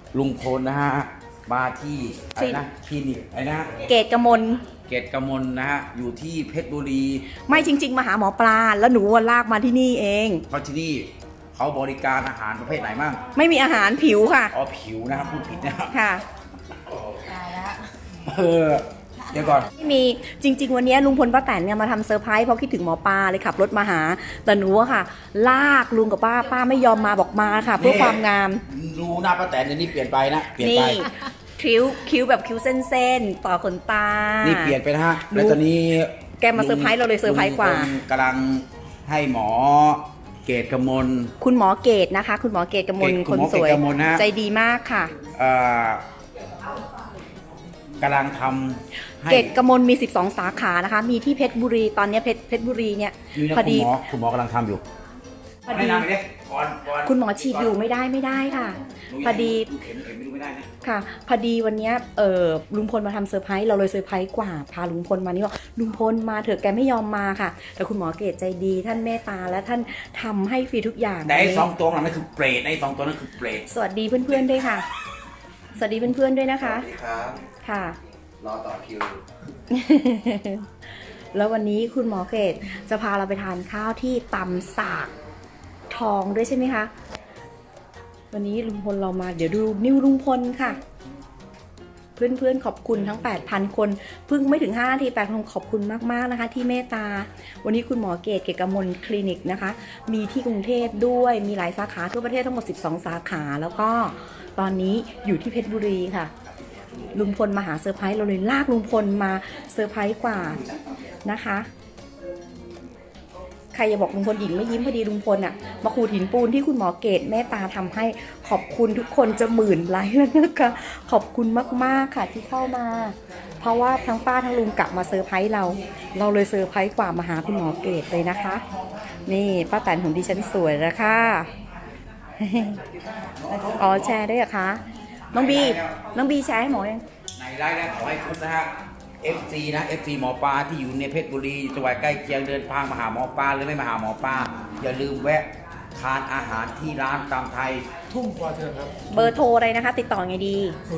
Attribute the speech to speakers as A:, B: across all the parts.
A: ลุงพลนะฮะมาที่อะไรนะคลินิกอะไรนะ
B: เกตกมล
A: เกตกมลนะฮะอยู่ที่เพชรบุรี
B: ไม่จริง ๆมาหาหมอปลาแล้วหนูลากมาที่นี่เอง
A: เพราะที่นี่เขาบริการอาหารประเภทไหนบ้าง
B: ไม่มีอาหารผิวค่ะ
A: อ๋อผิวนะครับพูดผิดนะครับ
B: ค่ะ
A: เดี๋ยวก่อน
B: ไม่มีจริง ๆ วันนี้ลุงพลป้าแตนเนี่ยมาทำเซอร์ไพรส์เพราะคิดถึงหมอปลาเลยขับรถมาหาแต่หนูอะค่ะ ลากลุงกับป้าไม่ยอมมาบอกมาค่ะ เพื่อความงาม
A: ดูหน้าป้าแตนเดี๋ยวนี้เปลี่ยนไปนะเปลี่ยน
B: นี่
A: ไป
B: คิ้วแบบคิ้วเส้นๆต่อขนตา
A: นี่เปลี่ยนไปนะฮะแล้วตอนนี้
B: แกมาเซอร์ไพรส์เราเลยเซอร์ไพรส์กว่า
A: ลุงพลกำลังให้หมอเกตกมล
B: คุณหมอเกตนะคะ คุณหมอเกตกมล
A: คุ
B: ค
A: ณ
B: น
A: หมอ
B: สวย
A: เกตกมลนะ
B: ใจดีมากค่ะ
A: กำลังทำให้
B: เกตกมลมี 12 สาขานะคะ มีที่เพชรบุรีตอนนี้เพชรบุรีเนี่ย
A: นี่นะ
B: พอดี
A: คุณหมอกำลังทำอยู่
B: พอดี
A: แนะนำไปดิก่อน
B: คุณหมอฉีดอยู่ไม่ได้ค่ะ พอดี
A: เข็มไม่ดูไม่ได้นะ
B: ค่ะ พอดีวันเนี้ยลุงพลมาทำเซอร์ไพรส์เราเลยเซอร์ไพรส์กว่าพาลุงพลมานี่ว่าลุงพลมาเถอะแกไม่ยอมมาค่ะ แต่คุณหมอเกตใจดีท่านเมตตาและท่านทำให้ฟรีทุกอย่าง
A: แต่ไอ้สองตัวนั้นคือเปรตไอ้สองตัวนั้นคือเปรต
B: สวัสดีเพื่อนๆด้วยค่ะ สวัสดีเพื่อนๆด้วยนะคะ
C: สวัสดีครับ
B: ค่ะ
C: รอต่อคิว
B: แล้ววันนี้คุณหมอเกตจะพาเราไปทานข้าวที่ตำสากทองด้วยใช่ไหมคะ วันนี้ลุงพลเรามาเดี๋ยวดูนิวลุงพลค่ะ เพื่อนๆขอบคุณทั้ง 8,000 คนเพิ่งไม่ถึง5 นาที8,000คนขอบคุณมากๆนะคะ ที่เมตตา วันนี้คุณหมอเกตกมลคลินิกนะคะ มีที่กรุงเทพด้วยมีหลายสาขาทั่วประเทศทั้งหมด12 สาขาแล้วก็ตอนนี้อยู่ที่เพชรบุรีค่ะ ลุงพลมาหาเซอร์ไพรส์เราเลยลากลุงพลมาเซอร์ไพรส์กว่านะคะ ใครอย่าบอกลุงพลหญิงไม่ยิ้มพอดีลุงพลอะมาขูดหินปูนที่คุณหมอเกตเมตตาทำให้ขอบคุณทุกคนจะ10,000 ไลค์แล้วนะคะขอบคุณมากๆค่ะที่เข้ามา เพราะว่าทั้งป้าทั้งลุงกลับมาเซอร์ไพรส์เราเลยเซอร์ไพรส์กว่ามาหาคุณหมอเกตเลยนะคะ นี่ป้าแตนของดิฉันสวยแล้วค่ะ อ๋อแชร์ได้เหรอคะน้องบีแชร์ให้หมอยัง
A: ในไลน์นะขอให้คุณนะฮะ FC นะ FC หมอปลาที่อยู่ในเพชรบุรีจังหวัดใกล้เคียงเดินทางมาหาหมอปลาหรือไม่มาหาหมอปลาอย่าลืมแวะทานอาหารที่ร้านตามไทย
D: ทุ่งปอเทืองครับ
B: เบอร์โทรอะไรนะคะ ติดต่อไงดี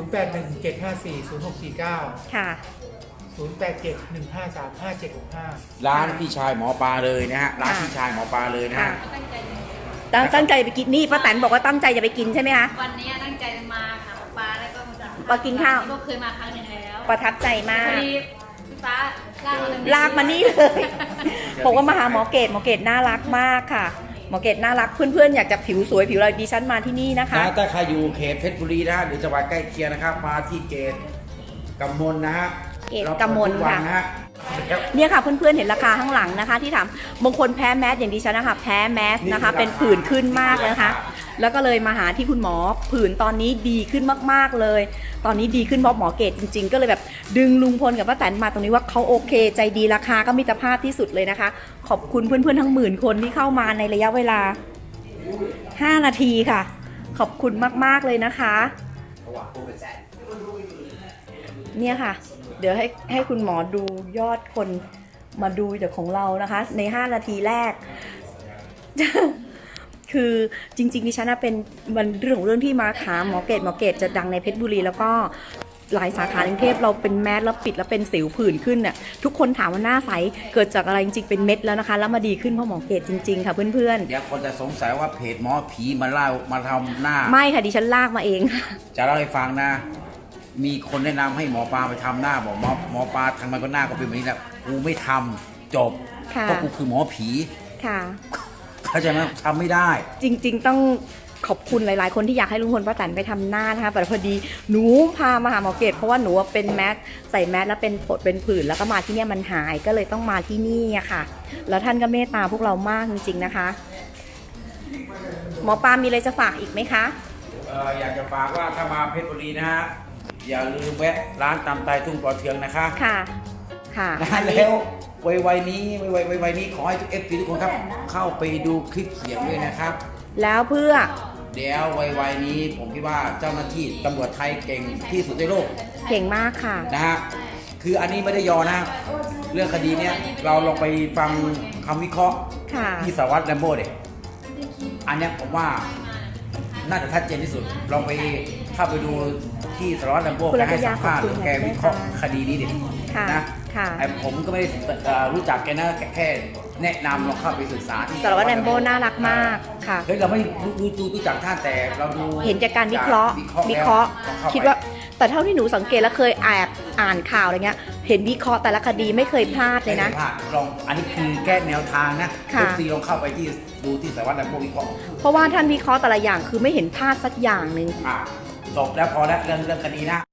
D: 0817540649
B: ค่ะ
D: 0871535765
A: ร้านพี่ชายหมอปลาเลยนะฮะร้านพี่ชายหมอปลาเลยนะ
B: ค่ะ
A: ฮะ
B: ตั้งใจไปกินนี่ป้าแตนบอกว่าตั้งใจจะไปกินใช่ไหมคะ
E: วันนี้ตั้งใจมาหาหมอปลาแล้วก็
B: มากินข้าว
E: ก็เคยมาครั้งหนึ่งแล้ว
B: ประทับใจมา
E: พ
B: ก
E: อดีพี่ฟ้าลากมาเลย
B: ลากมานี่เลยบอกว่ามาหาหมอเกตน่ารักมากค่ะ หมอเกตน่ารักเพื่อนๆอยากจะผิวสวยผิวอะไรดิฉันมาที่นี่นะคะ
A: นะถ้าใครอยู่เขตเพชรบุรีนะฮะหรือจังหวัดใกล้เคียงนะครับมาที่เกตกำมลนะฮะ
B: เกตกำมล
A: เราเปิดทุกวัน
B: ค่ะ
A: นะฮะ
B: เนี่ยค่ะเพื่อนๆเห็นราคาข้างหลังนะคะ ที่ถามบางคนแพ้แมสอย่างดิฉันนะคะแพ้แมสนะคะ เป็นผื่นขึ้นมากเลยนะคะ แล้วก็เลยมาหาที่คุณหมอผื่นตอนนี้ดีขึ้นมากๆเลย ตอนนี้ดีขึ้นเพราะหมอเกตจริงๆ ก็เลยแบบดึงลุงพลกับป้าแตนมาตรงนี้ว่าเขาโอเคใจดีราคาก็มิตรภาพที่สุดเลยนะคะ ขอบคุณเพื่อนๆทั้ง10,000 คนที่เข้ามาในระยะเวลา 5 นาทีค่ะ ขอบคุณมากๆเลยนะคะ เนี่ยค่ะ เดี๋ยวให้คุณหมอดูยอดคนมาดูจากของเรานะคะ ใน5 นาทีแรก คือจริงๆดิฉันเป็นมันเรื่องของเรื่องที่มาหาหมอเกตจะดังในเพชรบุรีแล้วก็หลายสาขาในกรุงเทพเราเป็นแมสแล้วปิดแล้วเป็นสิวผื่นขึ้นน่ะทุกคนถามว่าหน้าใสเกิดจากอะไรจริงๆเป็นเม็ดแล้วนะคะแล้วมาดีขึ้นเพราะหมอเกตจริงๆค่ะเพื่อน
A: เดี๋ยวคนจะสงสัยว่าเพจหมอผีมาเล่ามาทำหน้า
B: ๆไม่ค่ะดิฉันลากมาเอง
A: จะเล่าให้ฟังนะ มีคนแนะนำให้หมอปลาไปทำหน้าบอกหมอปลาทางมันก็หน้าก็เป็นแบบนี้แหละกูไม่ทำจบ
B: ค่ะ
A: เพราะกูคือหมอผี
B: ค่ะ
A: เข้าใจไหมทำไม่ได้
B: จริงๆต้องขอบคุณหลายๆคนที่อยากให้ลุงพลป้าแตนไปทำหน้านะคะแต่พอดีหนูพามาหาหมอเกตเพราะว่าหนูเป็นแมสใส่แมสแล้วเป็นผดเป็นผื่นแล้วก็มาที่เนี่ยมันหายก็เลยต้องมาที่นี่อะค่ะ แล้วท่านก็เมตตาพวกเรามากจริงๆนะคะ หมอปลามีอะไรจะฝากอีกไหมคะ
A: อยากจะฝากว่าถ้ามาเพชรบุรีนะฮะอย่าลืมแวะร้านตำไตทุ่งปอเทืองนะคะ
B: ค่ะ ค่ะ
A: นะ
B: อันนี้
A: แล้ววัยนี้ขอให้ทุกเอฟซีทุกคนครับ เข้าไปดูคลิปเสียงด้วยนะครับ
B: แล้วเพื่อ
A: เดี๋ยววัยนี้ผมคิดว่าเจ้าหน้าที่ตำรวจไทยเก่งที่สุดในโลก
B: เก่งมากค่ะ
A: นะฮะคืออันนี้ไม่ได้ยอนะ เรื่องคดีเนี้ยเราลองไปฟังคำวิเคราะห์
B: ค่ะ
A: ที่สารวัตรแรมโบ้เด็กอันเนี้ยผมว่าน่าจะชัดเจนที่สุดลองไปเข้าไปดูที่สารวัตรแลมโบ้
B: คุณ
A: แก
B: รัต
A: ให้
B: ยา
A: สัมภาษณ์
B: ข
A: ห
B: อบ
A: รื
B: คุ
A: อ
B: ณ
A: แกวิเคราะห์
B: ค่ะ
A: คดีนี้ดิ
B: ค่ะ
A: นะ
B: ค่ะ
A: ไอ้ผมก็ไม่ได้รู้จักแกนะแค่แนะนำลองเข้าไปศึกษาที่
B: สารวัตรแรมโบ้น่ารักมากค่ะ
A: เฮ้ยเราไม่รู้จักท่านแต่เราดู
B: เห็นจากการวิเคราะห์
A: วิเคราะห์
B: คิดว่า แต่เท่าที่หนูสังเกตแล้วเคยแอบอ่านข่าวอะไรเงี้ย เห็นวิเคราะห์แต่ละคดีไม่เคยพลาดเลยนะ
A: ไม่ได้พลาดลองอันนี้คือแก้แนวทางนะ
B: ค่ะ
A: FC ลองเข้าไปที่ดูที่สารวัตรแลมโบ้วิเคราะห์
B: เพราะว่าท่านวิเคราะห์แต่ละอย่างคือไม่เห็นพลาดสักอย่างหนึ่ง
A: จบแล้วพอแล้วเรื่องคดีนะ